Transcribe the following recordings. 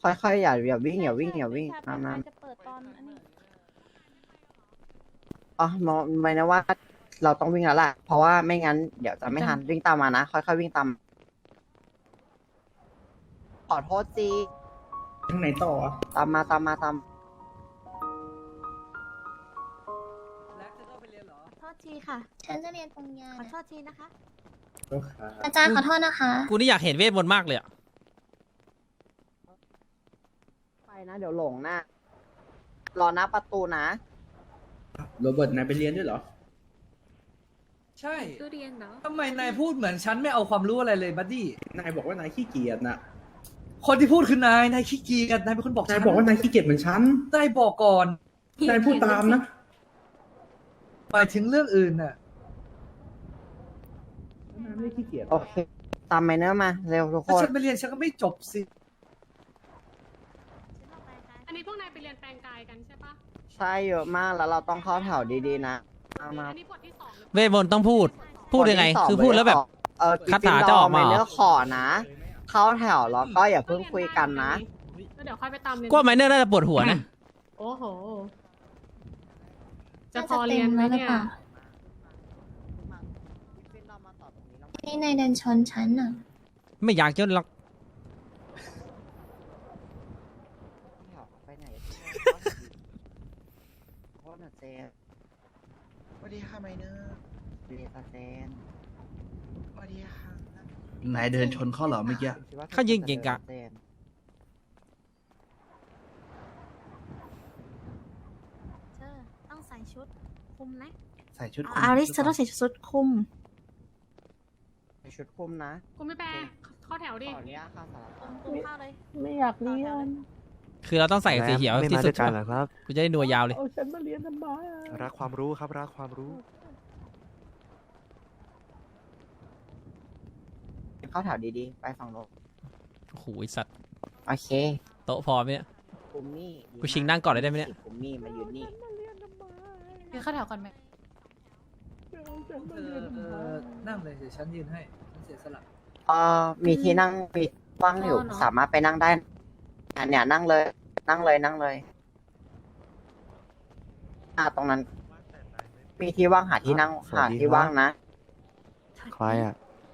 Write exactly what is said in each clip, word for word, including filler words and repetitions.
ค่อยๆอย่าอย่าวิ่งอย่าวิ่งอย่าวิ่งใช่มาใช่มาจะเปิดตอนอันนี้อ๋อมองไม่นะว่าเราต้องวิ่งแล้วแหละเพราะว่าไม่งั้นเดี๋ยวจะไม่ทันวิ่งตามมานะค่อยๆวิ่งตามขอโทษจีทางไหนต่ออ่ะตามมาตามมาตามโทษทีค่ะฉันจะเรียนปริญญาขอโทษทีนะคะโอเคอาจารย์ขอโทษนะคะกูนี่อยากเห็นเวทมนต์มากเลยอะไปนะเดี๋ยวหลงนะรอหน้าประตูนะโรเบิร์ตนายไปเรียนด้วยเหรอใช่ตู้เรียนเนาะทำไมนายพูดเหมือนฉันไม่เอาความรู้อะไรเลยบัดดี้นายบอกว่านายขี้เกียจน่ะคนที่พูดคือนาย นายขี้เกียจนายเป็นคนบอกนายฉันบอกว่านายขี้เกียจเหมือนฉันนายบอกก่อนนายพูดตามนะหมายถึงเรื่องอื่นน่ะนายไม่ได้ขี้เกียจโอเค ตามไมเนอร์มาเร็วทุกคถ้าน ฉันไปเรียนฉันก็ไม่จบสิอันนี้พวกนายไปเรียนแปลงกายกันใช่ปะใช่เยอะมากแล้วเราต้องเข้าแถวดีๆนะมามาอันนี้บทที่สองหรือเวทมนต์ต้องพูด พูดยังไงนที่สคือพูดแล้วแบบเออคาถาจะออกมาเหรอไมเนอร์ขอนะ เข้าแถวแล้วก็อย่าเพิ่งคุยกันนะแล้วเดี๋ยวค่อยไปตามเรียนกว่าไมเนอร์น่าจะปวดหัวนะโอ้โห จะน่าพจะอเต็เรียนมไหมแล้วหรือเนี่ยเปล่านี่นายเดินชนฉันอ่ะไม่อยากจนหรอกไปไหนโทษนะเจนสวัสดีค่ะไมเนอร์เรียนเจนสวัสดีค่ะนายเดินชนเขาเหรอเมื่อกี้เขายิงเก่งกะเจนเธอต้องใส่ชุดคลุมนะใส่ชุดอาริสเธอต้องใส่ชุดคลุมใส่ชุดคลุมนะกูไม่แปลเข้อแถวขดิออนุญาตค่ะสารพัดคลุมเข้าเลยไม่อยากเรียนคือเราต้องใส่สีเขียวที่สุดกันเหรอครับกูจะได้นัวยาวเลยเอาฉันมาเรียนทำไมอะรักความรู้ครับ รักความรู้เข้าแถวดีๆ ไปฝั่งโน้นโอ้โหไอ้สัตว์โอเคโต๊ะพอไหมเนี่ยคุมนี่ดีกูชิงนั่งก่อนเลยได้ไหมเนี่ยคุมนี่มายืนนี่ยืนเข้าแถวก่อนไหมเอาฉันเธมาอเรียนทำเอไมอนั่งเลยเดี๋ยวฉันยืนให้ ฉันเสียสละเอ่อมีที่นั่งมีว่างอยู่สามารถไปนั่งได้อันเนี้ยนั่งเลย นั่งเลยนั่งเลย อ่าตรงนั้น มีที่ว่างหาที่นั่งสวัหาสดีที่ครับว่างนะใครอ่ะ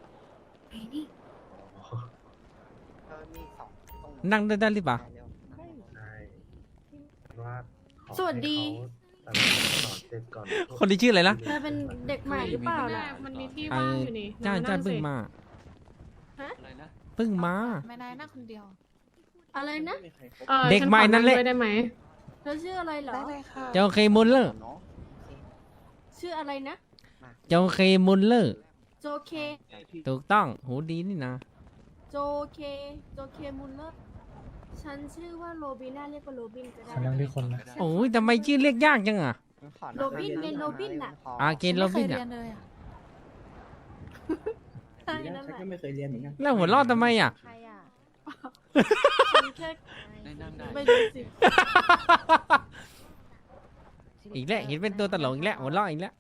เออมีสองตรงนั่งได้ได้หรือเปล่าเร็วใช่ว่าขอสวัสดีให้เขาสอนเสร็จก่อนคนที่ชื่ออะไรนะเธอเป็นเด็กใหม่หรือเปล่าแม่ล่ะมันมีที่ไอ้ว่างอยู่นี่จ้าจ้านั่งเพิ่งสิมาฮะเพิ่งมาไม่นายนั่งคนเดียว อะไรนะออเด็กใหม่นั่นแหละฉัขอด้วยได้ไหมเธอชื่ออะไรเหรอได้เลยค่ะเจ้าเคมุลเลอร์เนาะชื่ออะไรนะเจ้าเคมุลเลอร์โจเคถูกต้องหูดีนี่นะโจเค โจเคมุลเลอร์ ฉันชื่อว่าโรบิน่าเรียกว่าโรบินก็ได้ฉันนั่งที่คนนะโอ้ยทำไมชื่อเรียกยากจังอ่ะขอโรบินไงโรบินน่ะอาเกนโรบินอ่ะใช่ดีนะนั่นฉันแหละก็ไม่เคยเรียนเหมือนกันแล้วหัวเราะทำไมอ่ะใครอ่ะ ฉันแค่ไม่รู้สิอีกแล้วเห็นเป็นตัวตลกอีกแล้วหัวเราะอีกแล้ว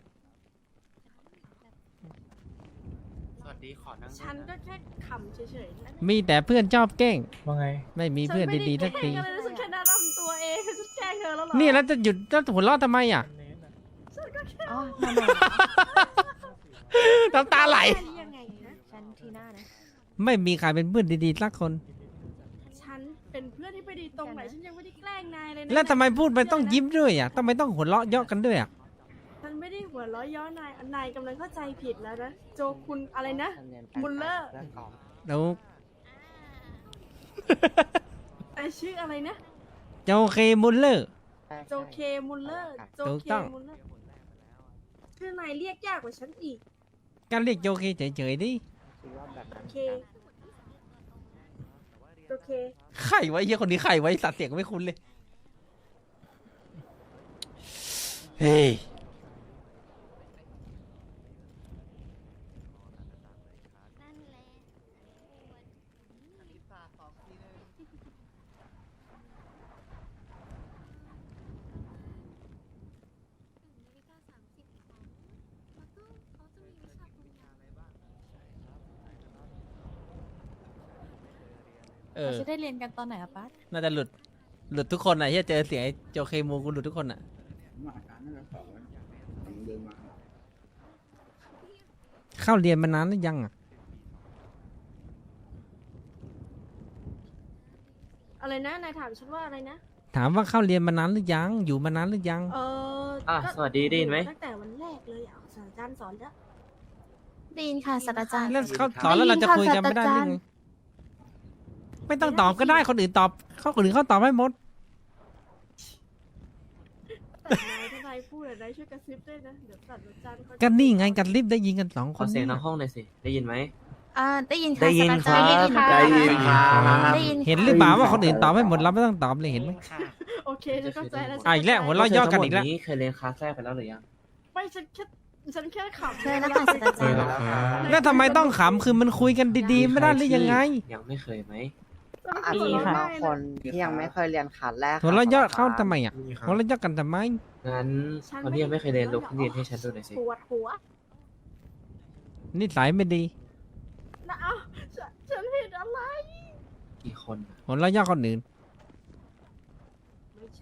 สวัสดีขอนั่งฉันก็แค่ขำเฉยๆนะมีแต่เพื่อนชอบแกล้งว่าไงไม่มีเพื่อนดีๆสักทีฉันไม่ได้แกล้งอะไรเลยฉันแค่น่ารำตัวเองฉันแกล้งเธอแล้วเหรอนี่แล้วจะหยุดแล้วหัวเราะทำไมอ่ะอ๋อทำไมน้ำตาไหลแค่นี้ยังไงนะฉันทีหน้านะไม่มีใครเป็นเพื่อนดีๆสักคนฉันเป็นเพื่อนที่ไปดีตรงไหนฉันยังไม่ได้แกล้งนายเลยนะแล้วทำไมพูดไปต้องยิ้มด้วยอ่ะทำไมต้องหัวเราะเยาะกันด้วยอ่ะฉันไม่ได้หัวเราะย้อนนายนายกำลังเข้าใจผิดแล้วนะโจคุณอะไรนะ มุลเลอร์แล้วไอชื่ออะไรนะเจ้าเคมุลเลอร์โจเคมุลเลอร์โจถูกเคต้องมุลเลอร์ชื่อนายเรียกยากกว่าฉันอีกการเรียกโจเคเฉยๆดิโอเคโอเคไข่ไว้เฮียคนนี้ไข่ไว้สัตว์เสียงไม่คุ้นเลย เฮ้ยเออจะได้เรียนกันตอนไหนอะป้าน่าจะหลุดหลุดทุกคนอ่ะที่เจอเสียงไอ้โจเคมูกูหลุดทุกคนอ่ะมาการนั่นแหละสองผมเดินมาเข้าเรียนมานานหรือยังอ่ะอะไรนะนายถามฉันว่าอะไรนะถามว่าเข้าเรียนมานานหรือยัง อยู่มานานหรือยังเอออ่ะก็สวัสดีได้ยินไหมตั้งแต่วันแรกเลยอ่ะศาสตราจารย์สอนแล้วได้ยินค่ะศาสตราจารย์แล้วเขาสอนแล้วเราจะคุยกันไม่ได้หรือไงไม่ต้องตอบก็ได้คนอื่นตอบเขาคนอื่นเขาตอบให้หมดแต่นายถ้านายพูดอะนายช่วยกระซิบด้วยนะเดี๋ยวศาสตราจารย์เขาจะกันนี่ไงกันรีบได้ยินกันสองคขอน เสียงเนี่ในยห้องหน่อยสิ ได้ยินไหมอ่าได้ยินค่ะได้ยินศาสตราจารย์ครับได้ยินค่ะได้ยินครับได้ยินเห็นหรือเปล่าว่าคนอื่นตอบให้หมดเราไม่ต้องตอบเลยเห็นไหมโอเคฉันเข้าใจแล้วอ่ะอีกแล้วหัวเราะย่อกันอีกแล้วนี้เคยเรียนคลาสแรกไปแล้วหรือยังไม่ฉันแค่ฉันแค่ขำเชิญแล้วค่ะศาสตราจารย์แล้วทำไมต้องขำคือมันคุยกันดีๆไม่ได้หรือยังไงยังไม่เคยไหมอาจจะมีบางคนที่ยังไม่เคยเรียนคลาสแรกหัวเราะย่อเข้าศสตรจรย์ทำไมอ่ะหัวเราะย่อกันทำไมงั้นคนที่ยังไม่เคยเรียนลุกขึ้นเรียนให้ฉันดูหน่อยสิปวดหัวนิสัยไม่ดีนะเอ้าฉันฉันเห็นอะไรกี่คนอะหัวเราะย่อคนอื่นไม่ใช่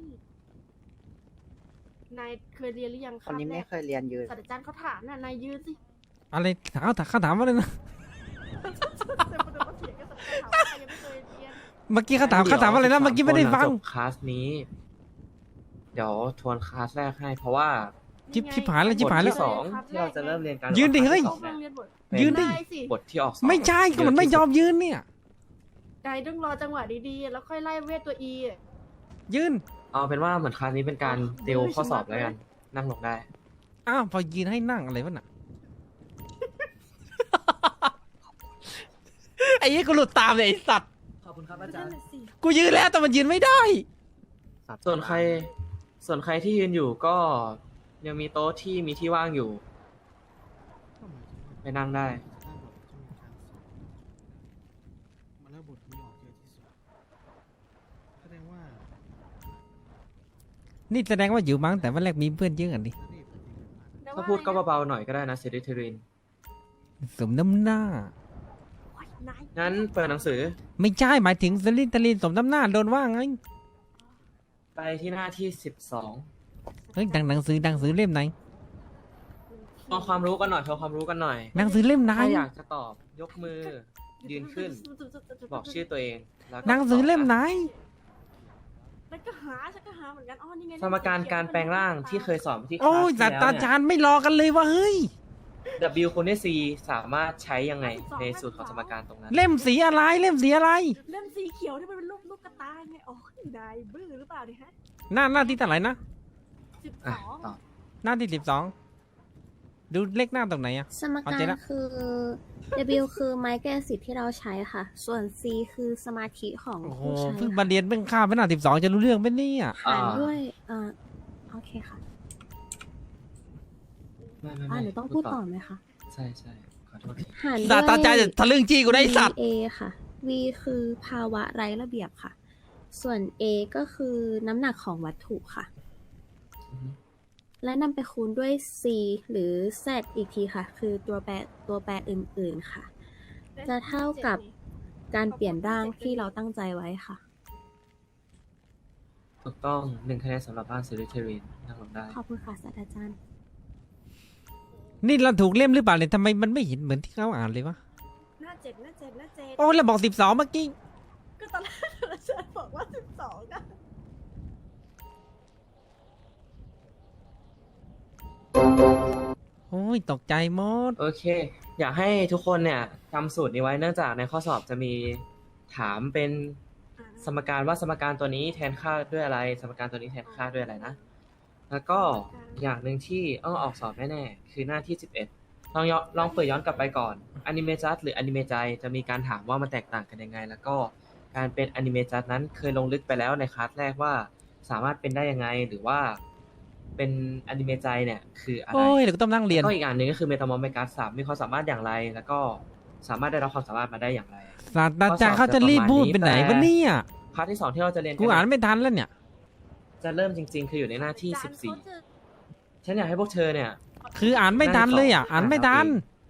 นายเคยเรียนหรือยังคนนี้แรไม่กเคยเรียนยืนศาสตราจารย์เขาถามน่ะนายยืนสิอะไรถามเขาถามว่าอะไรนะแต่คนเดียวก็เถียงกันศาสตราจารย์ถามว่าใครยังไม่เคยเรียนเมื่อกี้เขาถามเขาถามว่าอะไรนะเมื่อกี้ไม่ได้ฟังจบคลาสนี้ เดี๋ยวทวนคลาสแรกให้ เพราะว่าชิบชิบหายแล้วชิบหายแล้วบทที่สองที่เราจะเริ่มเรียนกันยืนดิเฮ้ยต้องเรียนบทยืนดิได้สิบทที่ออกสอบไม่ใช่ก็มันไม่ยอมยืนเนี่ยนายต้องรอจังหวะดีๆ แล้วค่อยไล่เวทตัวอีอะยืนเอาเป็นว่าเหมือนคลาสนี้เป็นการติวข้อสอบแล้วกัน นั่งลงได้อ้าวพอยืนให้นั่งอะไรวะน่ะ ไอ้ยี่กูหลุดตามเลยไอ้สัตว์ขอบคุณครับอาจารย์กูยืนแล้วแต่มันยืนไม่ได้ส่วนใคร ส่วนใครที่ยืนอยู่ก็ยังมีโต๊ะที่มีที่ว่างอยู่ ไปนั่งได้มาแล้วบทนี้ออกเยอะที่สุดแสดงว่านี่แสดงว่าอยู่มั้งแต่วันแรกมีเพื่อนเยอะกันดิถ้าพูดก็เบาๆหน่อยก็ได้นะเซริเทรินสมน้ำหน้าโอ๊ยนายงั้นเปิดหนังสือไม่ใช่หมายถึงสลินตลินสมน้ำหน้าโดนว่าไงไปที่หน้าที่สิบสองเฮ้ยดังหนังสือดังสือเล่มไหนทำความรู้กันหน่อยทำความรู้กันหน่อยหนังสือเล่มไหนถ้าอยากจะตอบยกมือ ยืนขึ้น บอกชื่อตัวเองแล้วก็หนังสือเล่มไหนแล้วก็หาฉันก็หาเหมือนกันอ๋อนี่ไงสมการการแปลงร่างที่เคยสอนที่คลาโอ้ยสศาที่สตราแล้วจารย์ไม่รอกันเลยว่าเฮ้ยเนี่ย W คูณด้วย C สามารถใช้ยังไงในสูตรของสมการตรงนั้นเล่มสีอะไรเล่มสีอะไรเล่มสีเขียวที่มันเป็นรูปลูกกระตายไงอ๋อนายบื้อหรือเปล่าเนี่ยฮะหน้าหน้าที่เท่าไหร่นะสิบอ่ะสองต่อหน้าที่สิบสองดูเลขหน้าตรงไหนอะสมเอากาเจ๊รละคือ W คือไม้แก้สิทธิ์ที่เราใช้ค่ะ ส่วน C คือสมาธิของโอ้โหผู้ใช้เพิ่งค่ะมาเรียนเพิ่งข้ามไปหน้าสิบสองจะรู้เรื่องไหมเนี่ยหารด้วยอ่าโอเคค่ะไม่ไม่อ่าไม่หนูต้องพูดต่อไหมคะใช่ใช่ขอโทษทีหารด้วยศาสตราจารย์จะทะลึ่งจี้กูได้ไอ้สัตว์ V A ค่ะ V คือภาวะไร้ระเบียบค่ะ ส่วน A ก็คือน้ำหนักของวัตถุค่ะอือฮึและนำไปคูณด้วย C หรือ Z อีกทีค่ะ คือตัวแปรตัวแปรอื่น ๆ ค่ะ จะเท่ากับการเปลี่ยนร่างที่เราตั้งใจไว้ค่ะถูกต้องหนึ่งคะแนนสำหรับบ้านเซริเทรินนั่งลงได้ขอบคุณค่ะศาสตราจารย์นี่เราถูกเล่มหรือเปล่าเนี่ยทำไมมันไม่เห็นเหมือนที่เขาอ่านเลยวะหน้าเจ็ดหน้าเจ็ดหน้าเจ็ดโอ้เราบอกสิบสองเมื่อกี้ก็ตอนแรกฉันบอกว่าสิบสองอะโอ้ยตกใจหมดโอเค อยากให้ทุกคนเนี่ยจำสูตรนี้ไว้เนื่องจากในข้อสอบจะมีถามเป็นสมการว่าสมการตัวนี้แทนค่าด้วยอะไร สมการตัวนี้แทนค่าด้วยอะไรนะ แล้วก็อย่างหนึ่งที่ต้องออกสอบแน่ๆคือหน้าที่สิบเอ็ดลองย้อนลองเปิดย้อนกลับไปก่อนอนิเมจัสหรืออนิเมใจจะมีการถามว่ามันแตกต่างกันยังไง แล้วก็การเป็นอนิเมจัสนั้นเคยลงลึกไปแล้วในคลาสแรกว่าสามารถเป็นได้ยังไงหรือว่าเป็นอนิเมใจเนี่ยคืออะไรโอ้ยเดี๋ยวก็ต้องนั่งเรียนก็อีกอันหนึ่งก็คือเมตามอร์เมกัสสามมีความสามารถอย่างไร แล้วก็สามารถได้รับความสามารถมาได้อย่างไรศาสตราจารย์เขาจะรีบพูดเป็นไหนวะเนี่ยพาร์ทที่สองที่เราจะเรียนกูอ่านไม่ทันแล้วเนี่ยจะเริ่มจริง ๆ คืออยู่ในหน้าที่สิบสี่ฉันอยากให้พวกเธอเนี่ยคืออ่านไม่ทันเลยอ่ะ อ่านไม่ทัน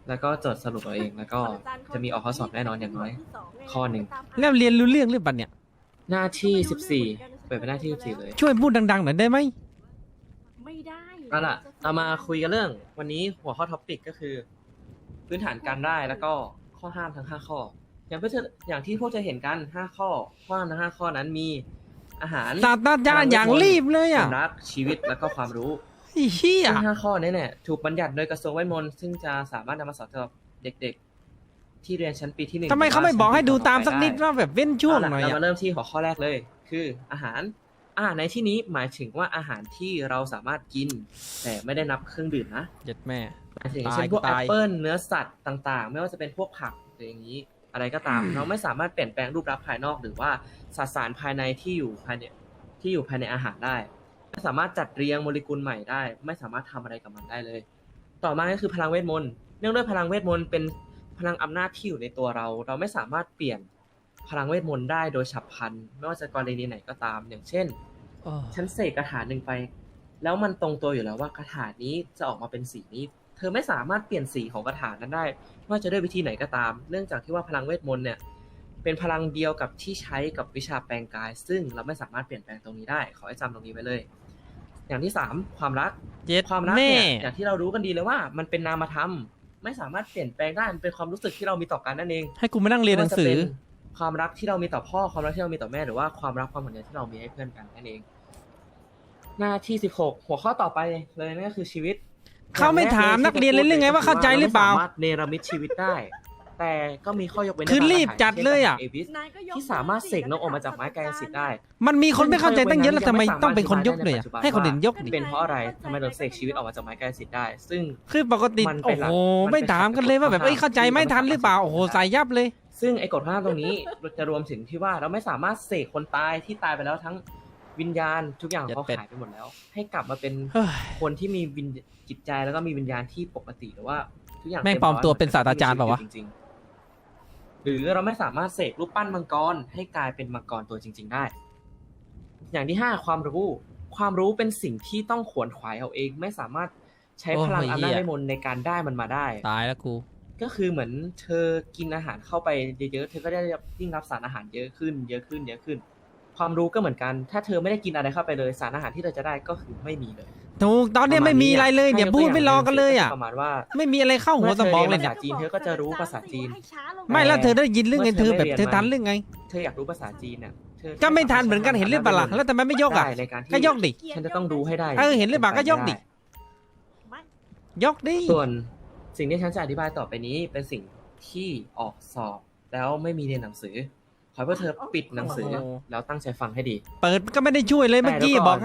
แล้วก็จดสรุปเอาเอง แล้วก็จะมีออกข้อสอบแน่นอนอย่างน้อย ข้อหนึ่งแล้วเรียนรู้เรื่องหรือเปล่าเนี่ยหน้าที่สิบสี่เปิดเป็นหน้าที่สิบสี่เลยช่วยพูดดังๆหน่อยได้ไหมไม่ได้เอาล่ะเรามาคุยกันเรื่อง วันนี้หัวข้อท็อปิกก็คือ พื้นฐานการได้แล้วก็ข้อห้ามทั้งห้าข้อ อย่างเพื่ออย่างที่พวกจะเห็นกันห้าข้อข้อห้ามทั้งห้าข้อนั้นมีอาหารศาสตราจารย์อย่างรีบเลยคอ่ะวามรักชีวิตแล้วก็ความรู้ไอ้เหี้ยซึ่งห้าข้อนี้เนี่ยถูกบัญญัติโดยกระทรวงเวทมนต์ซึ่งจะสามารถนำมาสอนสำหรับเด็กๆ ที่เรียนชั้นปีที่หนึ่งทำไมเขาไม่บอกให้ดูตามสักนิดว่าว่าแบบเว้นช่วงหน่อยเราอ่ะมาเริ่มที่หัวข้อแรกเลย คืออาหารอาหารในที่นี้หมายถึงว่าอาหารที่เราสามารถกิน แต่ไม่ได้นับเครื่องดื่มนะเจ็ดแม่หมายถึงตายเช่นพวกแอตาปยเปิลเนื้อสัตว์ต่างๆ ไม่ว่าจะเป็นพวกผักหรืออย่างนี้ อะไรก็ตาม เราไม่สามารถเปลี่ยนแปลงรูปลักษณ์ภายนอกหรือว่าสสารภายในที่อยู่ภายในที่อยู่ภายในอาหารได้ไม่สามารถจัดเรียงโมเลกุลใหม่ได้ ไม่สามารถทำอะไรกับมันได้เลย ต่อมาก็คือพลังเวทมนต์เนื่องด้วยพลังเวทมนต์เป็นพลังอำนาจที่อยู่ในตัวเรา เราไม่สามารถเปลี่ยนพลังเวทมนต์ได้โดยฉับพลันไม่ว่าจะกรณีไหนก็ตาม อย่างเช่นโอ้ฉันเสกคาถาหนึ่งไป แล้วมันตรงตัวอยู่แล้วว่าคาถานี้จะออกมาเป็นสีนี้ เธอไม่สามารถเปลี่ยนสีของคาถานั้นได้ไม่ว่าจะด้วยวิธีไหนก็ตาม เนื่องจากที่ว่าพลังเวทมนต์เนี่ยเป็นพลังเดียวกับที่ใช้กับวิชาแปลงกาย ซึ่งเราไม่สามารถเปลี่ยนแปลงตรงนี้ได้ขอให้จำตรงนี้ไว้เลย อย่างที่สามความรักเจ็ดความรักแม่เนี่ยอย่างที่เรารู้กันดีเลยว่ามันเป็นนามธรรมไม่สามารถเปลี่ยนแปลงได้มันเป็นความรู้สึกที่เรามีต่อกันนั่นเองให้กูมานั่งเรียนหนังสือไม่ว่าจะเป็นความรักที่เรามีต่อพ่อความรักที่เรามีต่อแม่หรือว่าความรักความห่วงใยที่เรามีให้เพื่อนกันนั่นเอง หน้าที่สิบหกหัวข้อต่อไปเลยนั่นก็คือชีวิตเขาไม่ถามนักเรียนเลยเรื่องไงว่าเข้าใจหรือเปล่าสามารถเนรมิตชีวิตได้ แต่ก็มีข้อยกเว้นคือรีบจัดเลยอะเอวิสนายก็ยกที่สามารถเสกนกออกมาจากไม้กายสิทธิ์ได้มันมีคนไม่เข้าใจตั้งเยอะแล้วทำไมต้องเป็นคนยกเลยอ่ะให้คนอื่นยกดิเป็นเพราะอะไรทำไมเราเสกชีวิตออกมาจากไม้กายสิทธิ์ได้ ซึ่งคือปกติมันเป็โอ้นหลักโหมันเป็นไม่ถามกันเลยว่าแบบหลักเอ้ยเข้าใจไม่ทันหรือเปล่าโอ้โหใส่ยับเลยซึ่งไอ้กฎห้ามตรงนี้จะรวมถึงที่ว่าเราไม่สามารถเสกคนตายที่ตายไปแล้วทั้งวิญญาณทุกอย่างเขาหายไปหมดแล้ว ให้กลับมาเป็นเฮ้ยคนที่มีวิญจิตใจแล้วก็มีวิญญาณที่ปกติหรือว่าทุกอย่างแม่งปลอมตัวเป็นศาสตราจารย์เปล่าวะจริงๆหรือเราไม่สามารถเสกรูปปั้นมังกรให้กลายเป็นมังกรตัวจริง ๆได้ อย่างที่ห้าความรู้ความรู้เป็นสิ่งที่ต้องขวนขวายเอาเอง ไม่สามารถใช้พลังอำนาจเวทมนต์ในการได้มันมาได้ตายแล้วกูก็คือเหมือนเธอกินอาหารเข้าไปเยอะๆ เธอก็ได้ยิ่งรับสารอาหารเยอะขึ้น เยอะขึ้น เยอะขึ้น ความรู้ก็เหมือนกัน ถ้าเธอไม่ได้กินอะไรเข้าไปเลย สารอาหารที่เธอจะได้ก็คือไม่มีเลยถูกตอนเนี้ยไม่มีอะไรเลยเนี่ยพูดไม่รอกันเลยอ่ะประมาณว่าไม่มีอะไรเข้าหัวสมองเลยเมื่เนี่อย เธอเรียนภาษาจีนเธอก็จะรู้ภาษาจีนไม่แล้วเธอได้ยินเรื่องไงเธอแบบเธอทันเรื่องไงเธออยากรู้ภาษาจีนเนี่ยเธอก็ไม่ทันเหมือนกันเห็นหรือเปล่าล่ะแล้วทำไมไม่ยกอ่ะได้ในการที่ก็ยกดิฉันจะต้องรู้ให้ได้เออเห็นหรือเปล่าก็ยกดิ ยกดิส่วนสิ่งที่ฉันจะอธิบายต่อไปนี้เป็นสิ่งที่ออกสอบแล้วไม่มีในหนังสือ ขอให้พวกเธอปิดหนังสือแล้วตั้งใจฟังให้ดีเปิดก็ไม่ได้ช่วยเลยเมื่อกี้แต่เดี๋ยวก่อนบอกให้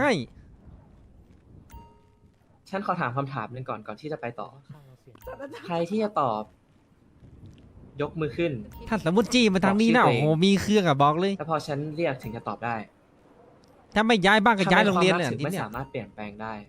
ฉันขอถามคำถามหนึ่งก่อนก่อนที่จะไปต่อ ใครที่จะตอบ ยกมือขึ้นถ้าสมมติจี้มาทางนี้นะบอกโอ้ชื่อตัวเองโหมีเครื่องอะบอกเลยแล้วพอฉันเรียกถึงจะตอบได้ถ้าไม่ย้ายบ้านก็ย้ายโรงเรียนทำเลไมยความรักถึงทีไม่เนี้ยสามารถเปลี่ยนแปลงได้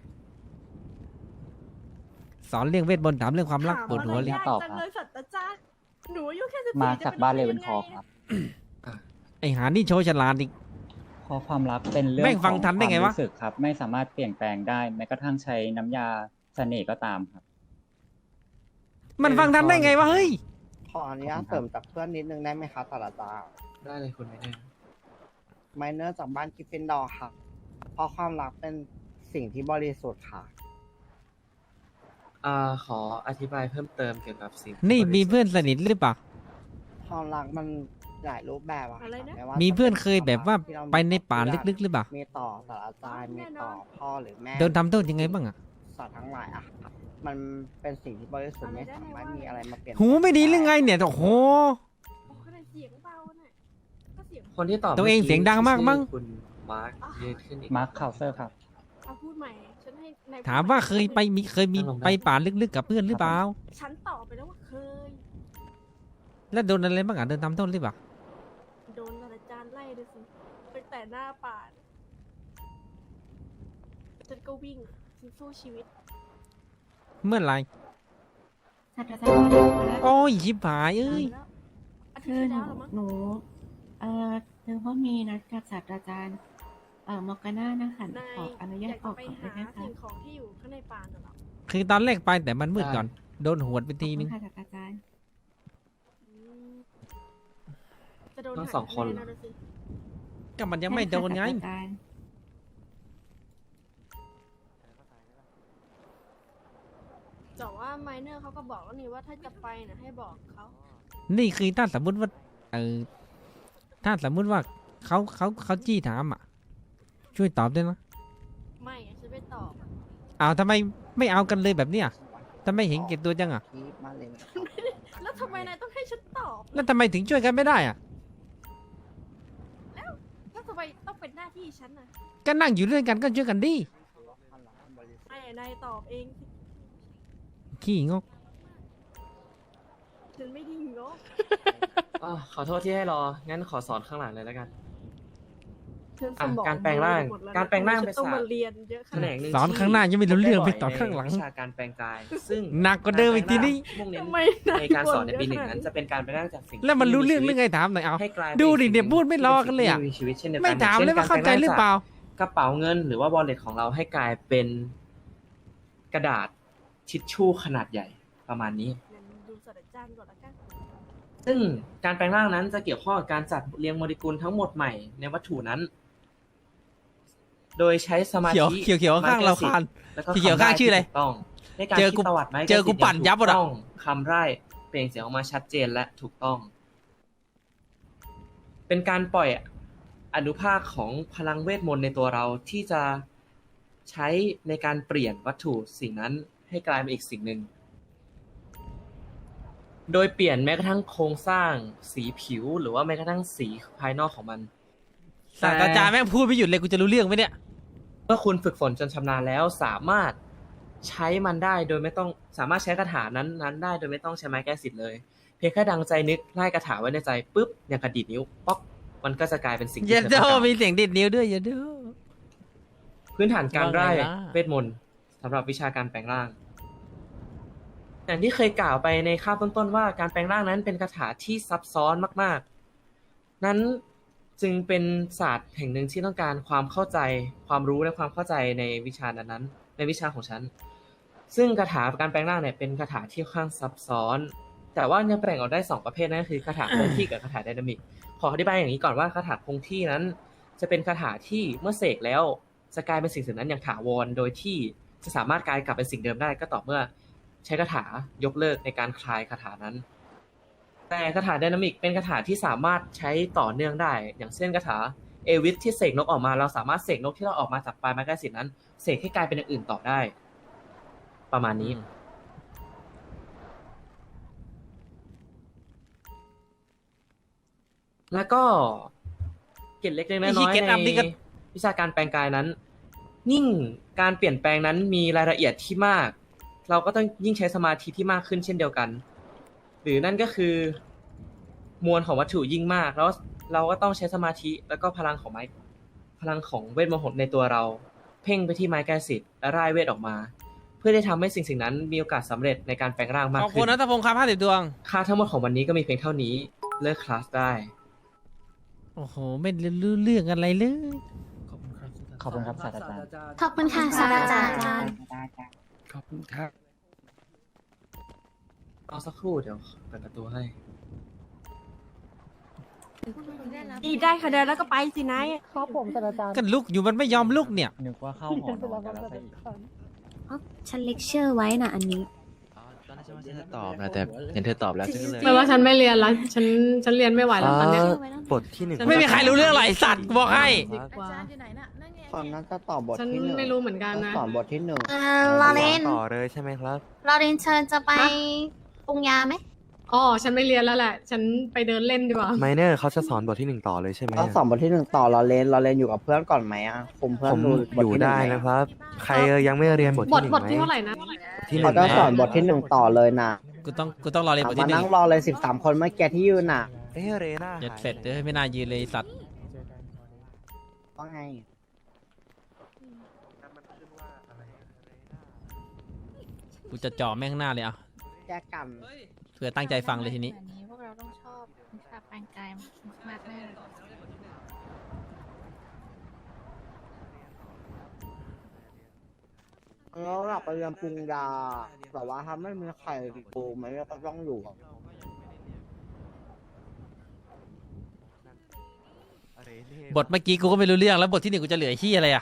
สอนเรื่องเวทมนต์ถามเรื่องความรักปวดหัวเลยตอบเลยศาสตราจารย์หนูอายุแค่สิบสี่มาจากบ้านเลเวนคอร์จะครับไอหานี่โชว์ฉลาดอีกเพราะความรักเป็นเรื่องแม่งฟังของทันได้ไงวะความรู้สึกครับ ไม่สามารถเปลี่ยนแปลงได้แม้กระทั่งใช้น้ำยาเสน่ห์ก็ตามครับมันฟังทันได้ไงวะเฮ้ยขออนุญาตเสริมจากเพื่อนนิดนึงได้ไหมคะศาสตราจารย์ได้เลยคุณไม่ได้ไมเนอร์จากบ้านกริฟฟินดอร์ค่ะเพราะความรักเป็นสิ่งที่บริสุทธิ์ค่ะอ่าขออธิบายเพิ่มเติมเกี่ยวกับสิ่งนี่มีบริสุทธิ์เพื่อนสนิทหรือเปล่าความรักมันหลายรูปแบบอะค่ะไม่ว่ามีเพื่อนเคยแบบว่าที่เรไปในป่าลึกๆหรือเปล่ามีต่อศาสตราจารย์มีต่อพ่อหรือแม่โดนทำโทษยังไงบ้างอะสัตว์ทั้งหลายอะค่ะมันเป็นสิ่งที่บริสุทธิ์ไม่สามารถมีอะไรมาเปลี่ยนหูไม่ดีหรือไงเนี่ยโอ้โหเสียงเบาน่ะก็เสียงคนที่ตอบตัวเองมื่กี้เสียงดังมากมั้งชื่อคุณมาร์คยืนขึ้นอีกมาร์คคาวเซอร์ครับเอาพูดใหม่ฉันให้นยถามว่าเคยไปมีเคยมีนั่งลงได้ไปป่าลึกๆกับเพื่อนหรือเปล่าฉันตอบไปแล้วว่าเคยแล้วโดนอะไรบ้างอะโดนทำโทษหรือเปล่าโดนศาสตราจารย์ไล่ด้วยสิตั้งแต่หน้าป่าฉันก็วิ่งฉันสู้ชีวิตเมื่อไหรศาสตราจารย์โอ้ยชิบหายเอ้ยอาทิตคือย์ที่หนูแล้วเหรอมั้งหนูเอ่อคือว่ามีนัดกับศาสตราจารย์เอ่อมอร์กาน่านะคะนายขออนุอญาตยากอจะอกไปก่อนได้หาไหมคะสิ่งของที่อยู่ข้างในป่าน่ะเหรอคือตอนแรกไปแต่มันมืดก่อนโดนหวดไปทีนึงขอบคุณค่ะศาสตราจารย์จะโดนทั้งหักสองคนแน่ๆะสิก็มันยังไม่โดนไงศาสตราจารย์แต่ว่าไมเนอร์เขาก็บอกแล้วนี่ว่าถ้าจะไปนะให้บอกเขานี่คือถ้าสมมุติว่าเออถ้าสมมุติว่าเขาเขาเขาจี้ถามอ่ะ ช่วยตอบด้วยนะไม่อะฉันไม่ตอบอ้าวทำไมไม่เอากันเลยแบบเนี้ยทำไมเห็นเก็บตัวจังอ่ะที่บ้านเลยแล้วทำไมนายต้องให้ฉันตอบแล้วทำไมถึงช่วยกันไม่ได้อ่ะแล้วทำไมต้องเป็นหน้าที่ฉันน่ะก็นั่งอยู่ด้วยกันก็ช่วยกันดิไอ้นายตอบเองสิขี้งกฉันไม่ไดีงกอ่ะขอโทษที่ให้รอ งั้นขอสอนข้างหลังเลยแล้วกันฉันสอ่ะมองการแปลงร่างหมดแล้วนะการแปลงร่างฉัเป็นต้องศาสตร์มาเรียนเยอะขแขนนาดงหนึ่งสอนข้างหน้ายังไม่รู้เรื่องไปต่อข้างหลังวิชาการแปลงกาย ซึ่งหนักกว่าเดิมอีกทีนี้มุ่งเน้นทำไมนายในการสอนในปีหนึ่งบ่เยอะขนาดนั้นจะเป็นการแปลงร่างจากสิ่งแล้วมันรู้เรื่องที่เรื่องไงถามหน่อยเอาให้กลายดูดิป็เนี่ยพูดไม่รอกันเลยอะสิ่งที่มีชีวิตเช่นเดียวกันไม่ถามอย่งเลยช่นว่าเข้าใจหรือเปล่ากระเป๋าเงินหรือว่า wallet ของเราให้กลายเป็นกระดาษทิชชู่ขนาดใหญ่ประมาณนี้งั้นดูศาสตราจารย์ก่อนละกันซึ่งการแปลงร่างนั้นจะเกี่ยวข้องกับการจัดเรียงโมเลกุลทั้งหมดใหม่ในวัตถุนั้น โดยใช้สมาเขียวธิเขียวเขียวข้างเราคานแล้วก็เขียวข้างชื่ออะไรถูกต้องในการเจอคิดกูประวัติไม้เจอกูปั่นยับหมดอะถูกต้องคำไร่เปล่งเสียงออกมาชัดเจนและถูกต้อง เป็นการปล่อยอนุภาคของพลังเวทมนต์ในตัวเราที่จะใช้ในการเปลี่ยนวัตถุสิ่งนั้นให้กลายเป็นอีกสิ่งหนึ่ง โดยเปลี่ยนแม้กระทั่งโครงสร้างสีผิวหรือว่าแม้กระทั่งสีภายนอกของมันศาสตราจารย์แม่งพูดไม่หยุดเลยกูจะรู้เรื่องไหมเนี่ยเมื่อคุณฝึกฝนจนชำนาญแล้วสามารถใช้มันได้โดยไม่ต้องสามารถใช้คาถานั้นนั้นได้โดยไม่ต้องใช้ไม้แก้สิทธิ์เลย เพียงแค่ดังใจนึกไล่คาถาไว้ในใจปุ๊บอย่างกระดิดนิ้วป๊อกมันก็จะกลายเป็นสิ่งที่เย็นเธอโดต้องการมีเสียงดิดนิ้วด้วยเย็นโดพื้นฐานการไล่ว่าไงล่ะเวทมนต์สำหรับวิชาการแปลงร่าง อย่างที่เคยกล่าวไปในคาบต้นๆว่าการแปลงร่างนั้นเป็นคาถาที่ซับซ้อนมากๆ นั้นจึงเป็นศาสตร์แห่งหนึ่งที่ต้องการความเข้าใจความรู้และความเข้าใจในวิชานั้นๆในวิชาของฉัน ซึ่งคาถาการแปลงร่างเนี่ยเป็นคาถาที่ค่อนข้างซับซ้อน แต่ว่ายังแบ่งออกได้สองประเภทนั่นก็คือคาถาคงที่กับคาถาไดนามิก ขออธิบายอย่างนี้ก่อนว่าคาถาคงที่นั้น จะเป็นคาถาที่เมื่อเสกแล้วจะกลายเป็นสิ่งสิ่งนั้นอย่างถาวรโดยที่จะสามารถกลายกลับเป็นสิ่งเดิมได้ก็ต่อเมื่อใช้คาถายกเลิกในการคลายคาถานั้น แต่คาถาไดนามิกเป็นคาถาที่สามารถใช้ต่อเนื่องได้ อย่างเช่นคาถาเอวิสที่เสกนกออกมาเราสามารถเสกนกที่เราออกมาจากปลายไม้กายสิทธิ์นั้นเสกให้กลายเป็นอย่างอื่นต่อได้ ประมาณนี้ แล้วก็เกร็ดเล็กๆน้อยไอ้ที่ๆเกร็ดอัพนี่ก็ในวิชาการแปลงกายนั้น ยิ่งการเปลี่ยนแปลงนั้นมีรายละเอียดที่มาก เราก็ต้องยิ่งใช้สมาธิที่มากขึ้นเช่นเดียวกัน หรือนั่นก็คือมวลของวัตถุยิ่งมาก แล้วเราก็ต้องใช้สมาธิแล้วก็พลังของไม้พลังของเวทมนต์ในตัวเรา เพ่งไปที่ไม้กายสิทธิ์และร่ายเวทออกมา เพื่อได้ทำให้สิ่งสิ่งนั้นมีโอกาสสำเร็จในการแปลงร่างมากขอบขึ้คุณนนัทพงศ์ครับห้าสิบดวงค่าทั้งหมดของวันนี้ก็มีเพียงเท่านี้เลิกคลาสได้โอ้โห ไม่รู้เรื่องอะไรเลยขอบคุณครับขอบคุณครับศาสตราจารย์ขอบคุณค่ะศาสตราจารย์ขอบคุณครับเอาสักครู่เดี๋ยวเปิดประตูให้ดีได้คะแนนแล้วก็ไปสินายครับผมศาสตราจารย์กันลุกอยู่มันไม่ยอมลุกเนี่ยนึกว่าเข้าหอนอนกันแล้วซะอีกอ๋อฉันเลคเชอร์ไว้น่ะอันนี้ตอนแรกฉันว่าฉันจะตอบนะแต่เห็นเธอตอบแล้วฉันก็เลยแปลว่าฉันไม่เรียนแล้ว ฉัน ฉันเรียนไม่ไหวแล้วตอนเนี้ยบทที่หนึ่งไม่มีใครรู้เรื่องอะไรสัตว์บอกให้ดีกว่าตอนนั้นจะตอบบทฉันที่หนึ่งไม่รู้เหมือนกันนะสอนบทที่หนึ่งเออลอเรนต่อเลยใช่ไหมครับลอเรนเชิญจะไปปรุงยาไหมอ๋อ ฉันไม่เรียนแล้วแหละ ฉันไปเดินเล่นดีกว่าไมเนอร์เขาจะสอนบทที่หนึ่งต่อเลยใช่ไหมเราสอนบทที่หนึ่งต่อเราเล่นเราเล่นอยู่กับเพื่อนก่อนไหมอ่ะคุมเพื่อผนมดูบอทยู่ที่หนึ่งได้ไหมนะครับ ใครยังไม่เรียนบทบที่ทหนึ่งบทไหมที่เท่าไหร่นะที่หนึ่เขางจะไหมสอนบทที่หนึ่งต่อเลยนะกูต้องกูต้องรอเรียนบทมาที่หนึ่นั่งงรอเลยสิบสามคนเมื่อกี้ที่ยืนน่ะเอ้ยเรน่าเจ็ดเสร็จเดี๋ยวไม่น่ายืนเลยสัตว์ว่าไงกูจะจ่อแม่งหน้าเลยอ่ะแยกกันเพื่อตั้งใจฟังเลยทีนี้พวกเราต้องชอบวิชาแปลงกายมากแน่ก็แล้วอยากไปเรียนปรุงยาแต่ว่าถ้าไม่มีใครดูมันก็ต้องอยู่บทเมื่อกี้กูก็ไม่รู้เรื่องแล้วบทที่หนึ่งกูจะเหลือขี้อะไรอ่ะ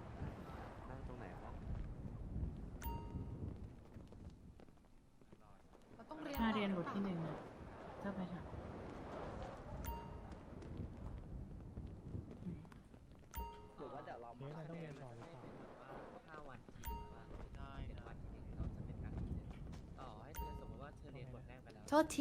ถ้าเรียนบทที่หนึ่งอะก็ไปทำหรือว่าเดี๋ยวเรามาต้องเรียนต่อหรือเปล่าห้าวันทีว่าได้เจ็ดวันทีหนึ่งเราจะเป็นการเรียนต่อให้เธอสมมติว่าเธอเรียนบทแรกไปแล้วโทษที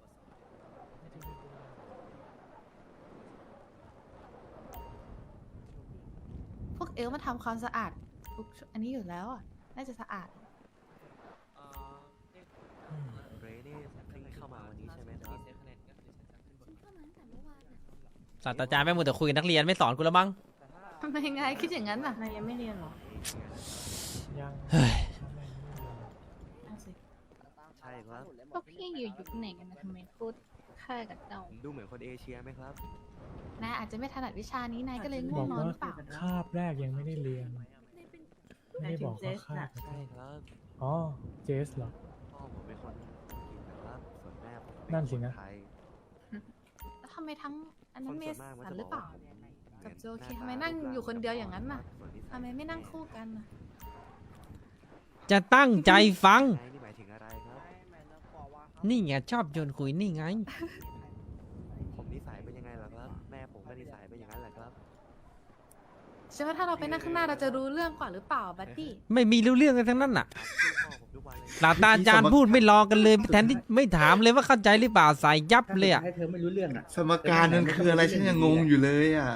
พวกเอลมาทำความสะอาดทุกอันนี้อยู่แล้วอ่ะ น่าจะสะอาดเอ่อเรียกเรนี่เพิ่งเข้ามาวันนี้ใช่ไหมครับเซฟคะแนนก็คือฉันจะขึ้นบทศาสตราจารย์แม่งมัวแต่คุยกับนักเรียนไม่สอนกูแล้วมั้งทำไมไงคิดอย่างนั้นอ่ะนายยังไม่เรียนหรอยังเฮ้ยเอาสิใช่ครับพวกพี่อยู่ยุคไหนกันนะทำไมพูดค่ากับเจ้าผมดูเหมือนคนเอเชียไหมครับนายอาจจะไม่ถนัดวิชานี้นายก็เลยง่วงนอนหรือเปล่าคาบแรกยังไม่ได้เรียน ไม่ได้บอกว่าคาบใช่ครับอ๋อ เจสเหรอพ่อผมเป็นคนอังกฤษนะครับ ส่วนแม่ผมเป็นั่นสินะคไทยแล้วทำไมทั้งอันนั้นเมคสัส่วมากนหรือเปล่าจะกว่าผมกับโจเคหทำไมนั่งอยู่คนเดียวอย่างนั้นน่ะส่วนิสัยทำไมไม่นั่งคู่กันน่ะจะตั้งใจฟังไงนี่หมายถึงอะไรครับนี่ไงชอบโยนคุยนี่ไงผมนิสัยเป็นยังไงล่ะครับ แม่ผมก็นิสัยเป็นอย่างนั้นแหละครับใช่ว่าถ้าเราไปนั่งข้างหน้าเราจะรู้เรื่องกว่าหรือเปล่าบัดดี้ไม่มีรู้เรื่องกันทั้งนั้นน่ะถามชื่อพ่อผมทุกวันเลยศาสตราจารย์พูดไม่รอกันเลยแทนที่ไม่ถามเลยว่าเข้าใจหรือเปล่าใส่ยับเลยอ่ะให้เธอไม่รู้เรื่องอ่ะสมการนั้นคืออะไรฉันยังงงอยู่เลยอ่ะ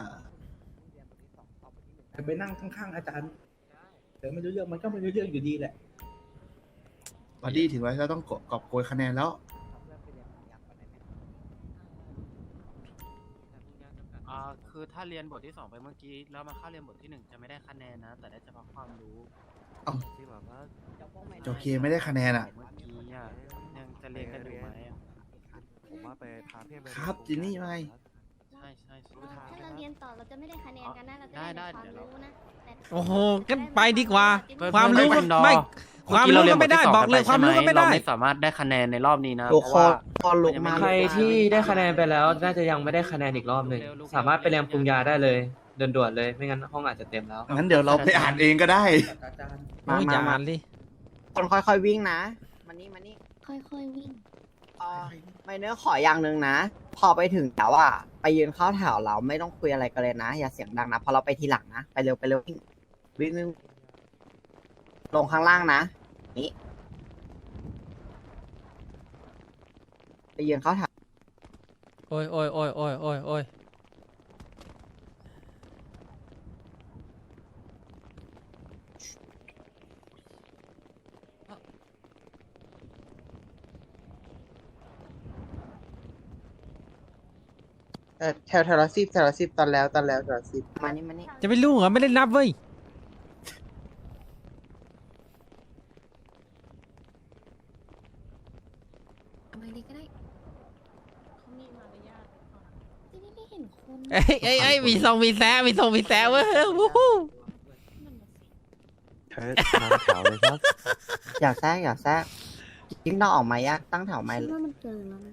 เธอไปนั่งข้างๆอาจารย์เธอไม่รู้เรื่องมันก็ไม่รู้เรื่องอยู่ดีแหละบอดี้ถือว่าเราต้องกอบโกยคะแนนแล้วอ่าคือถ้าเรียนบทที่สองไปเมื่อกี้ แล้วมาเข้าเรียนบทที่หนึ่งจะไม่ได้คะแนนนะ แต่ได้เฉพาะความรู้เอ้าจริงเหรอครับโอเคไม่ได้คะแนนอ่ะเมื่อกี้อ่ะยังจะเรียนกันอยู่ไหมอะผมว่าไปพาเพื่อนไปครับจินนี่ว่าไงใช่ใช่ใช่ถ้าถ้าเราเรียนต่อเราจะไม่ได้คะแนนกันนะ เราจะได้ได้ได้แต่ความเดี๋ยวเรารู้นะแต่โอ้โหกันไปดีกว่าเพื่อความรู้เพื่อก็ไม่เมื่อความกี้รู้เรียก็นไม่ได้บทที่สงบอกเลยนปความรู้ก็ไม่ได้เราไม่สามารถได้คะแนนในรอบนี้นะทุกเพราะคว่านพอลุกมาใครที่ได้คะแนนไปแล้วน่าจะยังไม่ได้คะแนนอีกรอบหนึ่งสามารถไปเรียนปรุงยาได้เลยด่วนๆเลย ไม่งั้นห้องอาจจะเต็มแล้วงั้นเดี๋ยวเราไปอ่านเองก็ได้อาจารย์โอ้ยอย่าอ่านดิคนค่อยๆวิ่งนะมานี่มานี่ค่อยๆวิ่งเอ่อไม่เนื้อขออย่างหนึ่งนะ พอไปถึงแล้วอ่ะไปยืนเข้าแถวเราไม่ต้องคุยอะไรกันเลยนะ อย่าเสียงดังนะเพอเราไปทีหลังนะ ไปเร็วไปเร็ววิ่งวิ่งวิ่งลงข้างล่างนะนี่ไปยืนเข้าแถวโอ้ยโอ้ยโอ้ยโอ้ยโอ้ยโอ้ยเออแถวแถวละสิบแถวละสิบตอนแล้วตอนแล้วแถวละสิบมานี่มานี่จะไปรู้เหรอไม่ได้นับเว้ยเอาไปเลยก็ได้เขามีมารยาทจะได้ไม่เห็นคนเอ้ยเอ้ยเอ้ยมีทรงมีแซะมีทรงมีแซะเว้ยวู้ฮู้เธอมาแถวเลยครับอยากแทรกอยากแทรกยิ่งต้องออกมายากตั้งแถวไหมคิดว่ามันเกินแล้วนะ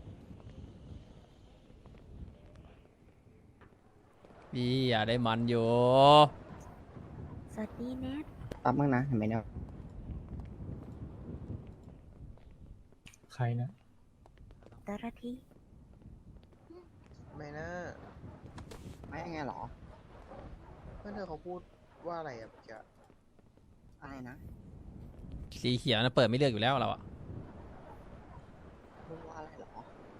พี่อย่าได้มันอยู่สวัสดีแนทแป๊บนึงนะเห็นไหมเนี่ยใครนะดาราทีไม่นะไม่ยังไงหรอเพื่อนเธอเขาพูดว่าอะไรอะเมื่อกี้อะไรนะสีเขียวนะเปิดไม่เลือกอยู่แล้วเราอะพูดว่าอะไรหรอ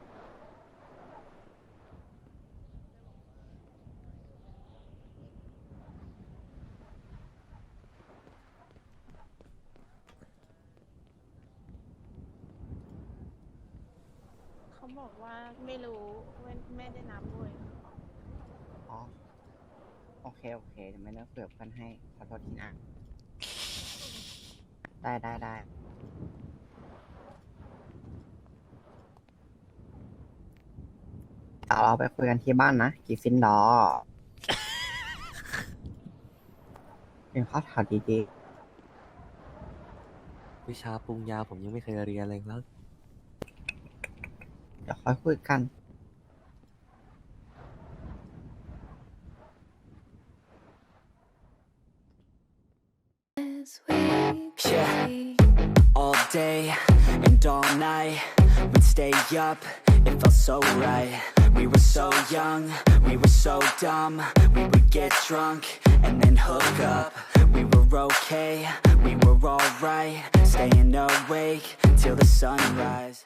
เขาบอกว่าไม่รู้ไม่ไม่ได้นับด้วยอ๋อโอเคโอเคเดี๋ยวไม่เลือกเผื่อเพื่อนให้ขอโทษทีนะได้ได้ได้เดี๋ยวเราไปคุยกันที่บ้านนะกีฟินดอร์เป็นข้าวถาวดีๆวิชาปรุงยาผมยังไม่เคยเรียนเลยครับเดี๋ยวค่อยคุยกัน Yeah, all day and all night, we'd stay up, it felt so right. We were so young, we were so dumb, we would get drunk and then hook up. We were okay, we were alright, staying awake till the sunrise.